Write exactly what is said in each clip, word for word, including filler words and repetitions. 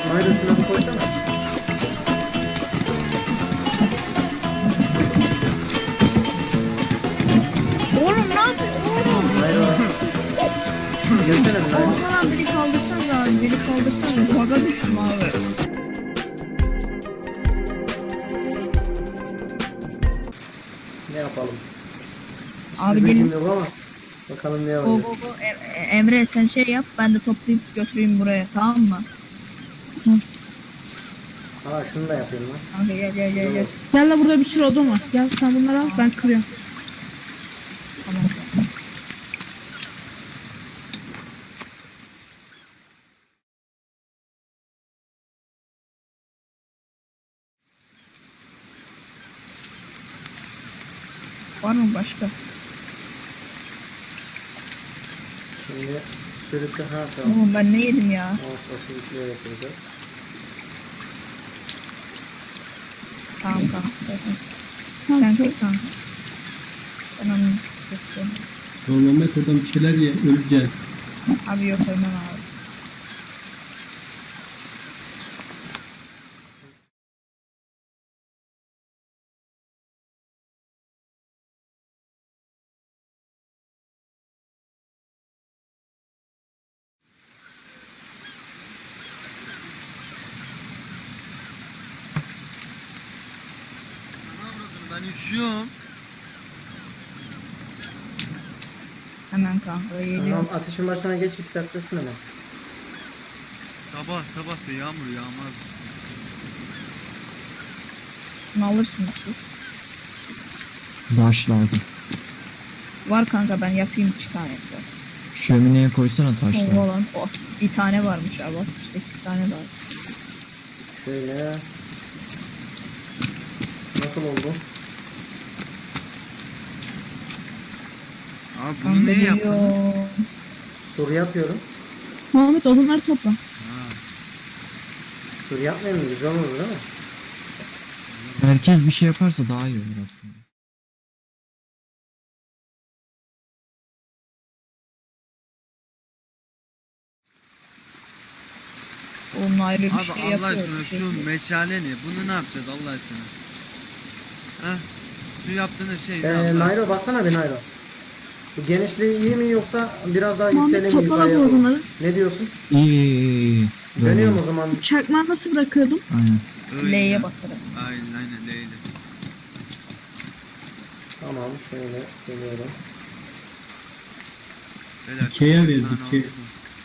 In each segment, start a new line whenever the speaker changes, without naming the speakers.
Mayra şuna bir koysana.
Oğlum ne yapıyorsun oğlum?
Mayra. Gelsene bir Mayra.
Oğlum biri kaldırsanız abi, biri kaldırsanız. Baga düştüm abi.
Ne yapalım?
Abi
Hiçbir
gelin.
bilgim yok ama. Bakalım ne
Go
yapacağız.
go go. E- e- Emre sen şey yap, ben de toplayıp götüreyim buraya, tamam mı?
Aa şunu da yapıyorum lan.
Kanka gel gel gel gel.
Gel la, burada bir sürü odun var. Gel sen bunları al, ben kırıyorum.
Tamam. Var mı başka?
Şimdi sürükle ha tamam.
Oğlum ben ne yedim ya?
Olsa sürükle yapacağız.
Tamam tamam. Zaten.
Tamam,
Sen
çok-
çek kanka. Ben onu göstereyim.
Oğlum Mehmet oradan bir şeyler ye, öleceksin.
Abi yok ölmem abi.
Ben üşüyorum.
Hemen kanka geliyorum.
Tamam ateşin başına geç iki dakikasın hemen.
Sabah sabah da yağmur yağmaz.
Şunu alırsın siz.
Taş lazım.
Var kanka ben yapayım iki tane.
Şömineye koysana
Oh,
taşları.
lan. Oh, bir tane varmış abi. sekiz tane var.
Şöyle. Nasıl oldu?
Abi bunu
Kanka
niye yaptın?
geliyor.
Soru yapıyorum.
Muhammed odunları topla.
Ha.
Soru yapmayayım mı? Güzel olur değil mi?
Herkes bir şey yaparsa daha iyi olur aslında.
Onun ayrı bir
Abi
şey
Allah
yapıyor.
aşkına
bir şey
şu
yapıyor.
meşale ne? Bunu ne yapacağız Allah aşkına? Heh. Şu yaptığınız şey ne
Ee,
Allah aşkına?
Nairo baksana bir Nairo. Bu genişliği iyi mi yoksa biraz daha
Muhammed
yükselim mi
topla la
yukarıya
bu
doğru?
odunları.
Ne diyorsun?
İyi iyi iyi iyi. Böyle.
Dönüyorum o zaman.
Çakmağı nasıl bırakıyordum?
Aynen.
Öyle.
L'ye basarak.
Aynen aynen L'yle.
Tamam şöyle geliyorum.
Beyler,
Dikeye ver,
bir tane
dikey.
oldu.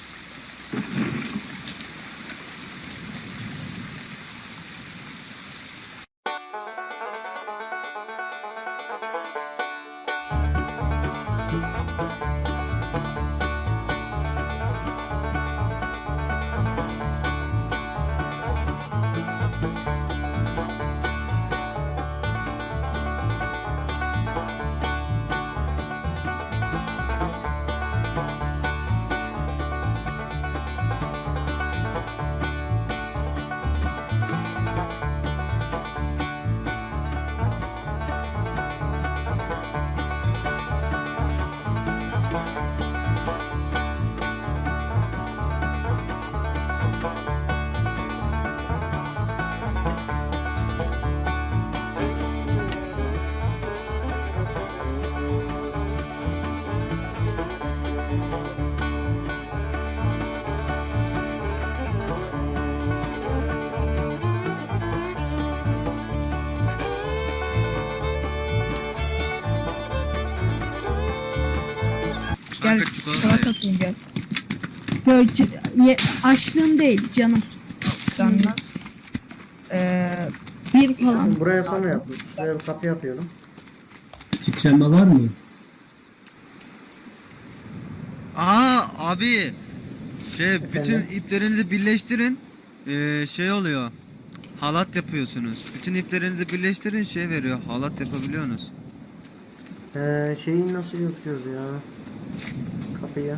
Gel
Kanka çikolata
sana
ye.
satayım gel.
Böyle c- ye- açlığım değil canım.
Canlar. Eee
Bir falan.
Buraya sonra yaptım. Şuraya bir kapı yapıyorum.
Titreme var mı?
Aa abi. Şey bütün
Efendim?
iplerinizi birleştirin. Ee, şey oluyor. Halat yapıyorsunuz. Bütün iplerinizi birleştirin şey veriyor. Halat yapabiliyorsunuz.
Ee, şeyi nasıl yapıyoruz ya? Kapıyı.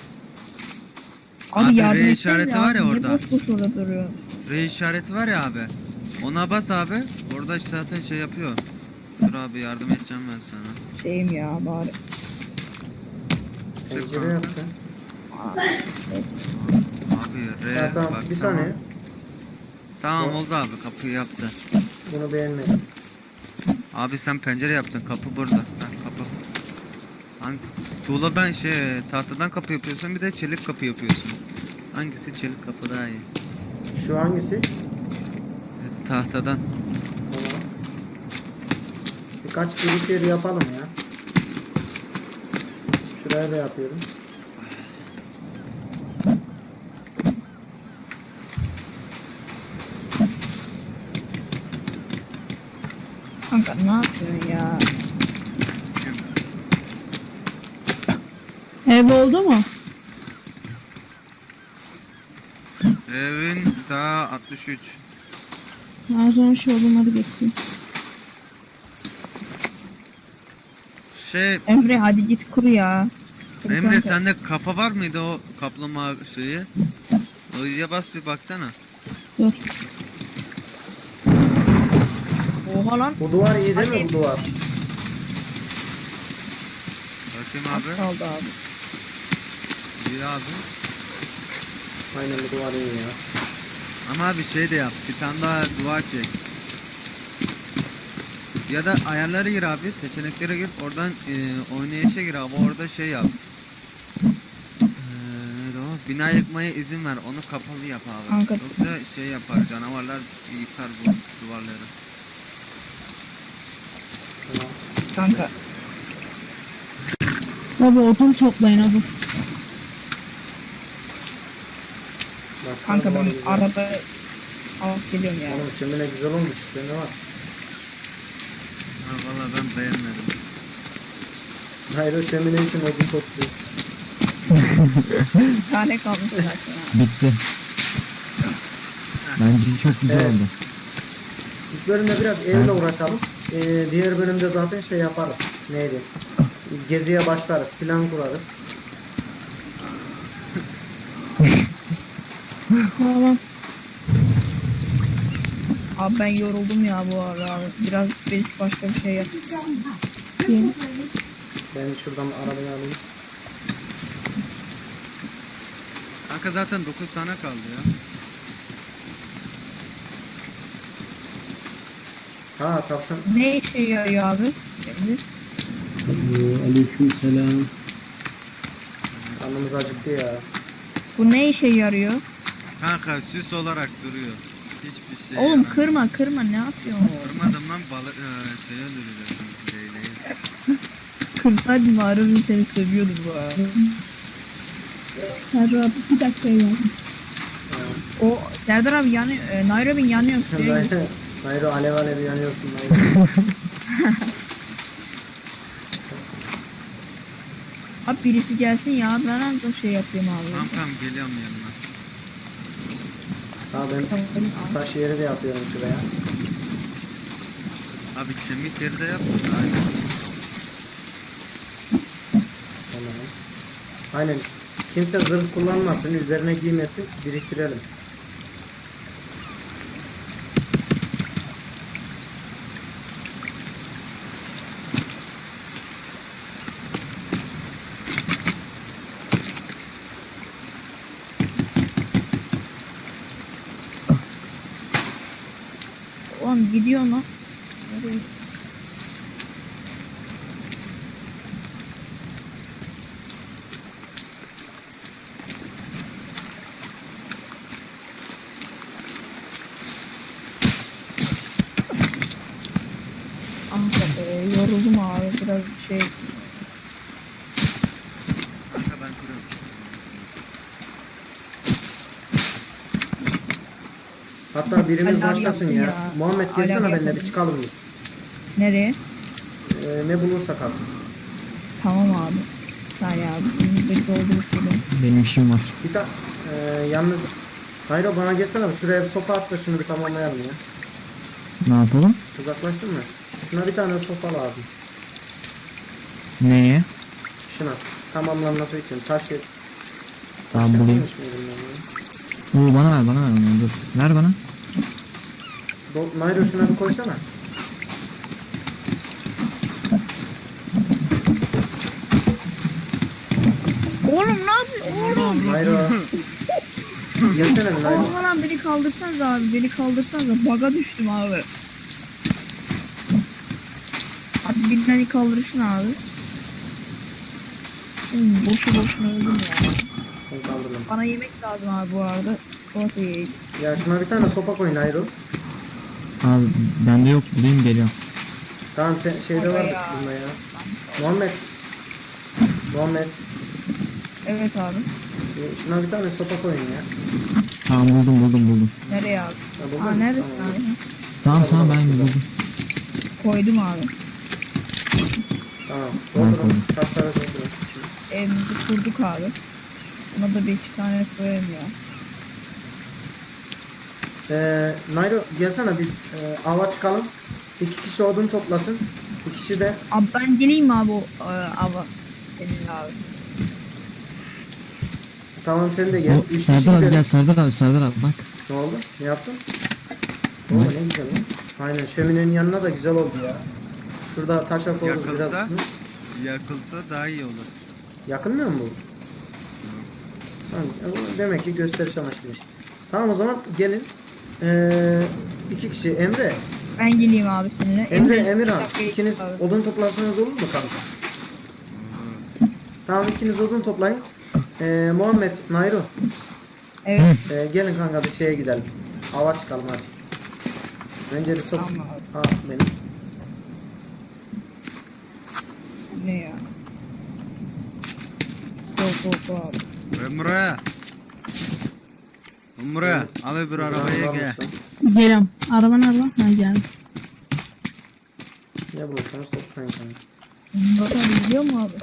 abi
Abi
yardım
R
etsene
işareti
ya,
var ya
niye
orada.
boş boş orada duruyor?
R işareti var ya abi. Ona bas abi. Orada zaten şey yapıyor. Dur abi yardım edeceğim ben sana.
Şeyim ya bari.
Pencere yaptım.
Abi R
Ha, tamam
bak
bir
tamam.
saniye.
Tamam
O-
oldu abi, kapıyı yaptı.
Bunu beğenmedim.
Abi sen pencere yaptın, kapı burada. Ha, kapı. Hangi? Tuğladan şey tahtadan kapı yapıyorsun, bir de çelik kapı yapıyorsun. Hangisi çelik kapı daha iyi?
Şu hangisi?
E, tahtadan.
Tamam. Birkaç giriş yeri yapalım ya. Şuraya da yapıyorum.
Kanka ne yapıyorsun ya?
Ev oldu mu?
Evin daha altmış üç.
Ben sonra şu odunları getireyim.
Şey
Emre hadi git kur ya. Kur
Emre,
kanka.
sende kafa var mıydı o kaplama şeyi? O iyice bas bir baksana.
Dur.
Oha lan.
Bu duvar iyi değil mi bu duvar?
Bakayım
Az
abi.
kaldı abi.
İyi abi.
Aynen bu duvar iyi ya.
Ama abi şey de yap. Bir tane daha duvar çek. Ya da ayarlara gir abi. Seçeneklere gir. Oradan e, oynayışa gir abi. Orada şey yap. Ee, neydi o? Bina yıkmaya izin ver. Onu kapalı yap abi.
Kanka.
Yoksa şey yapar. Canavarlar yıkar bu duvarları.
Tamam.
Kanka.
Baba odun toplayın hadi.
Bak,
Kanka
duvar
ben
güzel.
arada alıp geliyorum ya.
Oğlum şimdi ne güzel olmuş. İşte ne var?
Ha valla ben beğenmedim.
Hayır o şömine için odun topluyor.
Bir tane kalmış zaten ha.
Bitti. Bence çok güzel
Evet.
oldu.
İlk bölümde biraz evle uğraşalım. Ee, diğer bölümde zaten şey yaparız. Neydi? Geziye başlarız. Plan kurarız.
Tamam.
Abi ben yoruldum ya bu arada abi. Biraz belki başka bir şey yap.
Yeni.
Ben şuradan arabayı alayım.
Kanka zaten dokuz tane kaldı ya.
Ha tavşan.
Ne işe yarıyor abi? Şimdi
Aleyküm selam.
Karnımız acıktı ya.
bu ne işe yarıyor?
Kanka süs olarak duruyor. Hiçbir şey
Oğlum
yaramıyor.
kırma kırma ne yapıyorsun?
Kırmadım lan, balık e, şeye öldürecektim. Leyleği.
Kırsaydın Harun seni sövüyordu bu arada.
Serra abi bir dakika ya.
O Serdar abi yanıyor. E, Nairobi yanıyor. Suya git.
Hayır alev alev yanıyorsun. Hayır.
Abi birisi gelsin ya ben ancak şey yapayım abi.
Tamam tamam, geliyorum yanına.
Ha ben taş yeri de yapıyorum şuraya.
Abi kemik yeri de yap. Aynen.
Tamam. Aynen. Kimse zırh kullanmasın, üzerine giymesin, biriktirelim.
Oğlum gidiyor lan. Nereye? Kanka be yoruldum abi biraz şey.
Kanka ben kuruyorum.
Hatta birimiz
Alev
başlasın
yaptın
ya.
ya.
Muhammed
Alev
gelsene benimle bir
yaptın.
çıkalım biz.
Nereye?
Ee, ne bulursak artık.
Tamam abi. Say abi. Şimdi de doldurup geliyorum.
Benim işim var.
Bir tane e, yalnız Hayro bana gelsene şuraya bir sopa at da şunu bir tamamlayalım ya.
Ne yapalım?
Uzaklaştın mı? Şuna bir tane sopa lazım.
Neye?
Şuna. Tamamlanması için. Taş yet.
Tamam bulayım.
Yapmamış mıydım ben ya?
Oo bana ver bana ver onu dur. Ver bana.
Do- Nairo şuna bir koysana.
Oğlum ne yapıyorsun? Oğlum.
Nairo. Gelsene bir Nairo.
Aman lan beni kaldırsanız abi. Beni kaldırsanız baga düştüm abi. Abi bir beni kaldırırsın abi. Hmm, boşu boşuna öldüm ya.
Ben kaldırdım.
Bana yemek lazım abi bu arada. Soğuk yiyeyim.
Ya şuna bir tane sopa koy Nairo.
Abi bende yok, bulayım geliyorum.
Tamam sen, şeyde var
Ya.
bunda ya. Muhammed. Muhammed.
Evet abi.
e, Şuna bir tane sopa koyun ya.
Tamam buldum buldum buldum.
Nereye abi?
Ya buldun
Aa
mu?
neredesin
Tamam.
abi?
Tamam tamam ben buldum.
Koydum abi.
Tamam.
Ben
Doldurun.
koydum.
Taşlara doldurun.
Evimizi kurduk abi. Buna da bir iki tane koyayım ya.
Ee, Nairo gelsene biz e, ava çıkalım. İki kişi odun toplasın. Bir kişi de
Abi ben geleyim mi abi o e, ava? Senin abi.
tamam sen de gel.
O,
Üç kişi
Serdar abi
gidelim.
gel, Serdar abi, Serdar abi bak.
Ne oldu? Ne yaptın?
Ne?
Oo, ne güzel lan. Aynen şöminenin yanına da güzel oldu ya. Şurada taşa koyduk biraz.
Yakılsa,
Hı?
yakılsa daha iyi olur.
Yakınmıyor mu bu? Tamam, e, demek ki gösteriş amaçlıymış. Tamam o zaman gelin. Ee, iki kişi Emre.
Ben geleyim abi seninle.
Emre,
Emre,
Emirhan.
bir dakika
İkiniz
abi.
odun toplarsanız olur mu kanka? Tamam ikiniz odun toplayın. Ee, Muhammed, Nairo.
Evet.
Ee, gelin kanka bir şeye gidelim. Hava çıkalım hadi. Önce bir sok.
Tamam abi.
Aa benim.
Ne ya? Go go go abi.
Emre. Emre al öbür arabaya gel.
Geliyorum. Araba nerede? Ha geldim.
Ne bulursanız toplayın kanka.
Murat abi biliyor mu abi?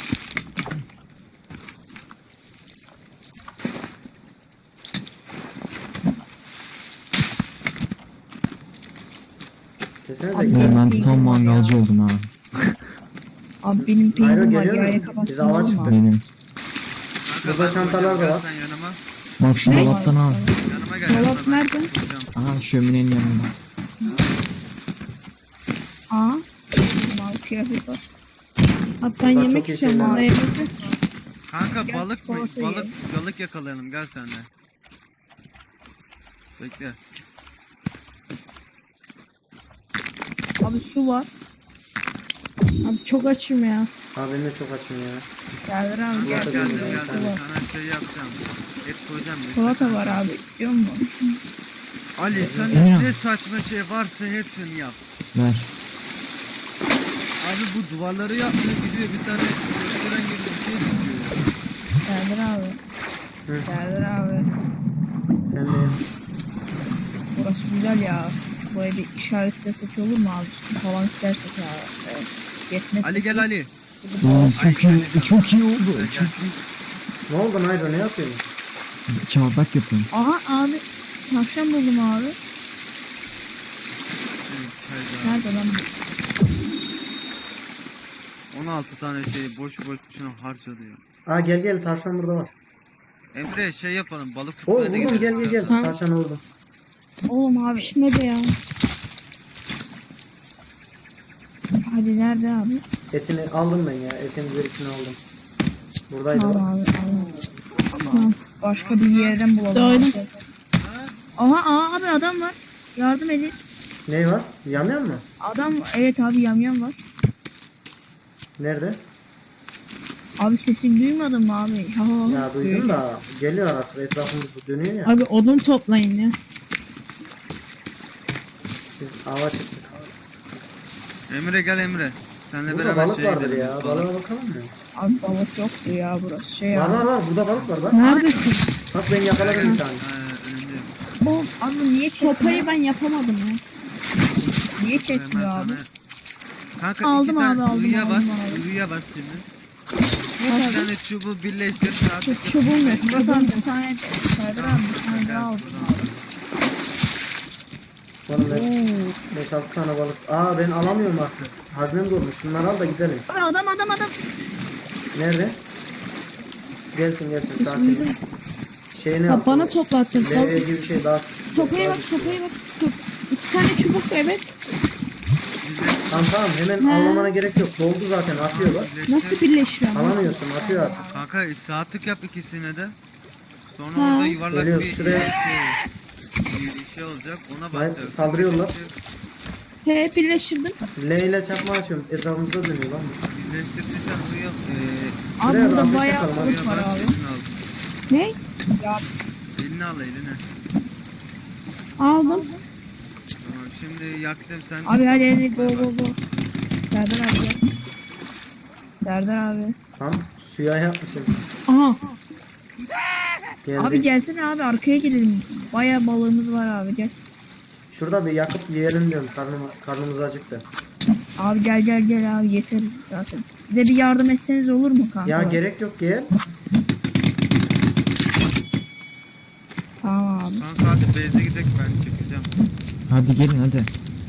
Desene de
Abi,
gidelim.
Ben tam mangalcı oldum abi.
Abi benim
Nairo
peynirim var.
geliyor
Yayla
mu?
kapatsın
Biz hava
olur mu
çıktık.
abi?
Benim.
Kanka,
Burada
ben
çantalar da
koyacağım,
var.
gel sen yanıma.
Bak şu
Ne?
dolaptan al.
Yanıma gel.
Dolap
yanıma, ben
nerede?
koyacağım.
Aha şöminenin yanında.
Aa. Mavi kıyafet var.
Abi ben
Burada
yemek
çok iyi
istiyorum.
şeyler
Bana
var.
yemek yok.
Kanka
Gel,
balık mı?
salata
Balık,
ye.
balık yakalayalım gel sen de. Bekle.
Abi su var.
Abi çok açım ya.
Abi ben de çok açım ya.
Serdar abi
Kanka
gel.
Salata
geldim
yiyeceğim,
geldim
tamam.
sana şey yapacağım. Et koyacağım. bekle.
Salata var abi. İstiyor musun?
Ali sen
Emre.
ne saçma şey varsa hepsini yap.
Ver.
Abi bu duvarları yapmıyor gidiyor bir tane gösteren gibi bir şey dikiyor.
Serdar abi.
Hı.
Serdar abi.
Ben de
Burası güzel ya. Buraya bir işaretlesek olur mu abi? Su falan istersek ya. Evet. Yetmez.
Ali gel Ali.
Oğlum çok
Ay,
iyi, çok iyi oldu.
Gel.
Çok iyi.
ne oldu Nairo ne yapıyorsun?
Çardak yapıyorum.
Aha abi. Tavşan buldum abi. Nerede lan?
on altı tane şeyi boş boş şuna harcadı ya.
Aa gel gel tavşan burada var.
Emre şey yapalım balık
Oo
tutmaya da
vurdum
gidelim.
gel gel gel.
Ha.
Tavşanı vurdum.
Oğlum abi.
Pişmedi ya.
Hadi nerede abi?
Etini aldım ben ya. Etin gerisini aldım. Buradaydı
Al
bak.
abi. Al. Tamam. Başka bir yerden bulalım.
Doydum.
abi. Aha aha abi adam var. Yardım edin.
Ne var? Yamyan mı?
Adam evet abi yamyam var.
Nerede?
Abi sesini duymadın mı abi? Ha, ha,
Ya duydum da geliyor ara sıra etrafımızda dönüyor ya.
Abi odun toplayın ya.
Biz ava çıktık.
Emre gel Emre. Senle
Burada
beraber
balık
şeye
vardır
gidelim.
ya.
Balık.
Balığa bakalım mı?
Abi balık yoktu ya burası şey
Var
ya.
var var. Burada balık var bak.
Neredesin?
Bak ben yakaladım bir tane.
Ha, önünde.
Oğlum abi niye çekmiyor?
Sopayı ben yapamadım ya.
Niye
Hemen
çekmiyor abi?
sana- Kanka
Aldım
iki tane
abi, aldım,
ıyıya bas.
aldım abi.
Iyıya bas şimdi.
Ne
Bir
abi?
tane çubuğu birleştir.
Çok çubuğum yok.
Murat
Çubuğum
abi
yok.
bir tane Serdar abi bir tane daha aldım abi.
Oğlum ben
Oo.
beş altı tane balık. Aa ben alamıyorum artık. Haznem dolmuş. Şunları al da gidelim.
Abi adam adam adam.
Nerede? Gelsin gelsin sakin. ol. Şeyini
Abi bana toplattın.
Levye gibi bir şey daha.
Sopaya bak, sopaya bak. Dur. İki tane çubuk evet.
Tamam tamam hemen
He.
avlamana gerek yok. Doldu zaten atıyor bak.
Nasıl birleşiyor? Nasıl?
Alamıyorsun atıyor artık.
Kanka saatlik yap ikisine de. Sonra
Ha.
orada yuvarlak
Geliyor,
bir
şuraya.
şey, bir şey olacak. Ona
Hayır,
basacağız.
saldırıyorlar.
He birleştirdim.
L ile çakma açıyorum. Etrafımızda dönüyor lan.
Birleştirdiysen onu yap. Ee,
Abi
Şuraya
burada
ateş
bayağı
yakalım abi.
balık
oraya
var
bak,
abi.
elini al.
Ne?
Ya
Elini al eline.
Aldım.
Tamam şimdi yaktım sen.
abi hadi hadi go go go. Serdar abi gel. Serdar abi.
Tam suya yapmışım.
Aha.
Geldi.
Abi gelsene abi arkaya gidelim. Bayağı balığımız var abi gel.
Şurada bir yakıp yiyelim diyorum. Karnım, karnımız acıktı.
Abi gel gel gel abi yeter zaten. Bize bir yardım etseniz olur mu kanka?
Ya gerek yok gel.
Tamam abi.
Kanka hadi base'e gidelim ben çekeceğim.
Hadi gelin hadi.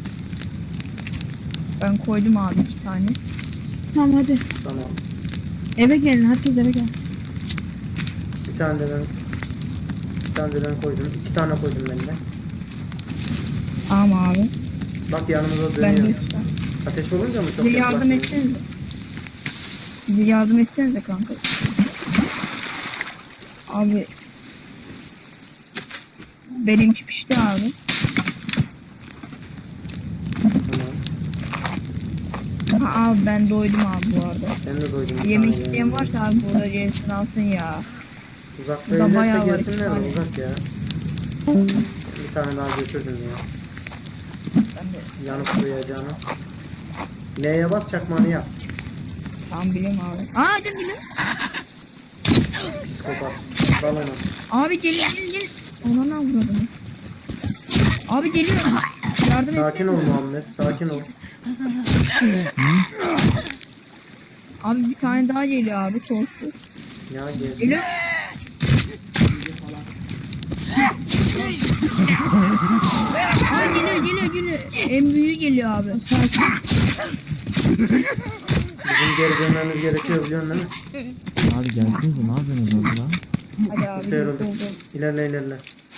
Ben koydum abi iki tane.
Tamam hadi.
Tamam.
Eve gelin. Herkes eve gelsin.
Bir tane de ben bir tane de ben koydum. İki tane koydum ben de.
Tamam abi.
Bak yanımıza
Ben de
dönüyor.
üç tane.
Ateş olunca mı çok
Bize yardım
yaklaşıyor?
etsenize. Bize yardım etsenize kanka. Abi. Benimki pişti abi.
Tamam.
Ha, abi ben doydum abi bu arada.
Ben de doydum. bir
Yemek
tane
isteyen
yani.
varsa abi burada gelsin alsın ya.
Uzakta
Burada bayağı
evlerse
var,
gelsinler
iki
de
tane.
uzak ya. Bir tane daha götürdüm ya.
Ben de
Yanıp duyacağını. L'ye bas çakmanı yap.
tam bileyim abi. Aa hadi bilin.
Psikopat. Dal onu.
Abi gelin gelin gelin. Ona ne vurdum? Abi geliyor. Yardım et.
Sakin ol Muhammed. Sakin ol.
Abi bir tane daha geliyor abi. Torsu.
Ya gel.
Geliyor. Abi geliyor geliyor geliyor. En büyüğü geliyor abi. Sakin.
Bizim geri dönmemiz gerekiyor biliyorsun değil mi?
Abi gelsinize ne yapıyorsunuz orada?
Hadi abi.
Şey oldu.
oldu.
İlerle ilerle.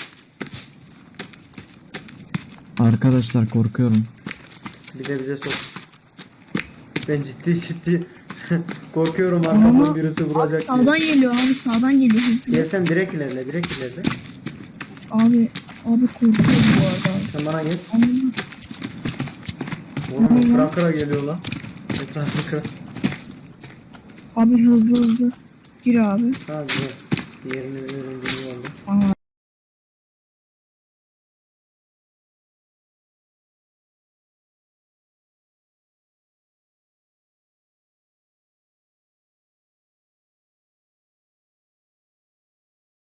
Arkadaşlar korkuyorum.
Bir de bize sok. Ben ciddi ciddi korkuyorum arkamdan birisi vuracak diye.
Sağdan geliyor abi sağdan geliyor.
Gel sen direkt ilerle direkt ilerle.
Abi abi korkuyorum bu arada.
Sen bana gel.
Anladım.
Oğlum kıra kıra geliyor lan. Etrafı kıra.
Abi hızlı hızlı. Gir abi.
Hadi gel. Diğerini veriyorum geliyor